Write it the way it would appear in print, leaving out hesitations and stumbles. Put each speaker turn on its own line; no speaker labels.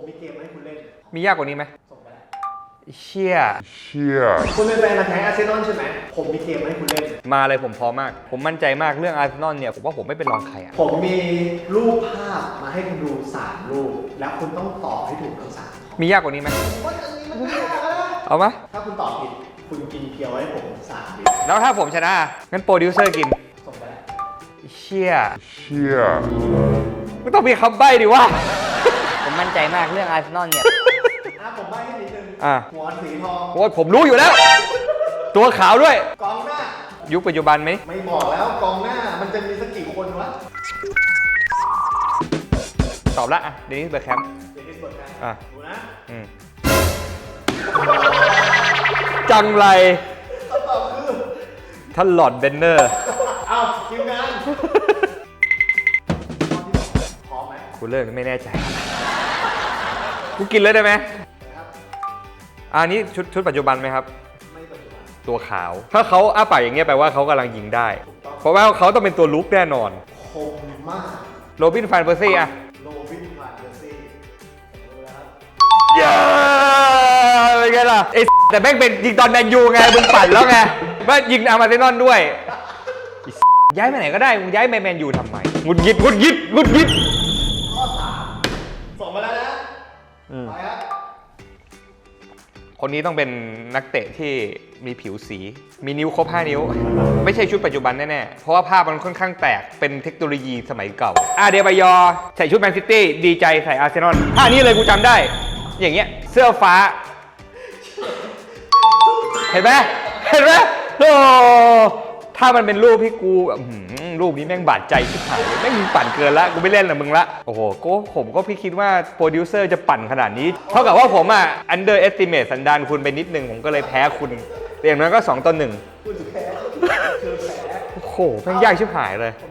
มีเกมให้คุณเล่น
มียากกว่านี้ไหม
ส่งไปแล้ว
เชี่ย
คุณเป็นแฟนมาแท้อาร์เซนอลใช่ไหมผมมีเกมให้คุณเล่น
มาเลยผมพร้อมมากผมมั่นใจมากเรื่องอาร์เซนอลเนี่ยผมว่าผมไม่เป็นรองใครอ่ะ
ผมมีรูปภาพมาให้คุณดู3รูปแล้วคุณต้องตอบให้ถูกทั้ง3
มียากกว่านี้ไหม
ว่าจะนี้มันไม่ยากนะ
เอาไหม
ถ้าคุณตอบผิดคุณกินเพียวให้ผม3 วิ
แล้วถ้าผมชนะงั้นโปรดิวเซอร์กิน
ส่งไปแล้ว
เชี่ยไม่ต้องมีคำใบ้ดิวะผมมั่นใจมากเรื่องอาร์เซนอลเนี่ย
ผมใบ้ให้นิดนึงหัวสีทอง
โอ้ยผมรู้อยู่แล้ว ตัวขาวด้วย
กองหน้า
ยุคปัจจุบันไหม
ไม่บอกแล้วกองหน้ามันจะมีสักกี่คนวะ
ตอบละอ่ะเดนิสเบอร์แคมป์
ดูนะ
จังไร
คำตอบคือ
ท่านหลอร์ดเบนเนอร์
เอาทีมงานพร้อมไหม
กูเลิกไม่แน่ใจกูกินเลยได้ไหมอันนี้ชุดปัจจุบันไหมครับ
ไม่ปัจจุบัน
ตัวขาวถ้าเขาอ้าปากอย่างเงี้ยแปลว่าเขากำลังยิงได้เพราะว่าเขาต้องเป็นตัวลุกแน่นอน
คมมาก
โรบิน ฟานเปอร์ซี่อะ
โรบิน ฟานเปอร์ซี่ดูแล้วครับ
เย้เป็นไงล่ะไอ้แต่แม่งเป็นยิงตอนแมนยูไงมึงปั่นแล้วไงว่ายิงอาร์มาเซนอลด้วยย้ายไปไหนก็ได้มึงย้ายไปแมนยูทำไมงุดหงิด
ข้อ3ส่งมาแล้วนะไปครับ
คนนี้ต้องเป็นนักเตะที่มีผิวสีมีนิ้วครบ5 นิ้วไม่ใช่ชุดปัจจุบันแน่ๆเพราะว่าภาพมันค่อนข้างแตกเป็นเทคโนโลยีสมัยเก่าเดบายอใส่ชุดแมนซิตี้ดีใจใส่อาร์เซนอลท่านี้เลยกูจำได้อย่างเงี้ยเสื้อฟ้าเห็นไหมโอ้ถ้ามันเป็นรูปที่กูรูปนี้แม่งบาดใจชิบหายเลยแม่งปั่นเกินละกูไม่เล่นละมึงละโอ้โหผมก็พี่คิดว่าโปรดิวเซอร์จะปั่นขนาดนี้เท่ากับว่าผมunderestimate สันดานคุณไปนิดนึงผมก็เลยแพ้คุณอย่างนั้นก็2-1
คุณแพ้
โอ้โหแม่งยากชิบหายเลย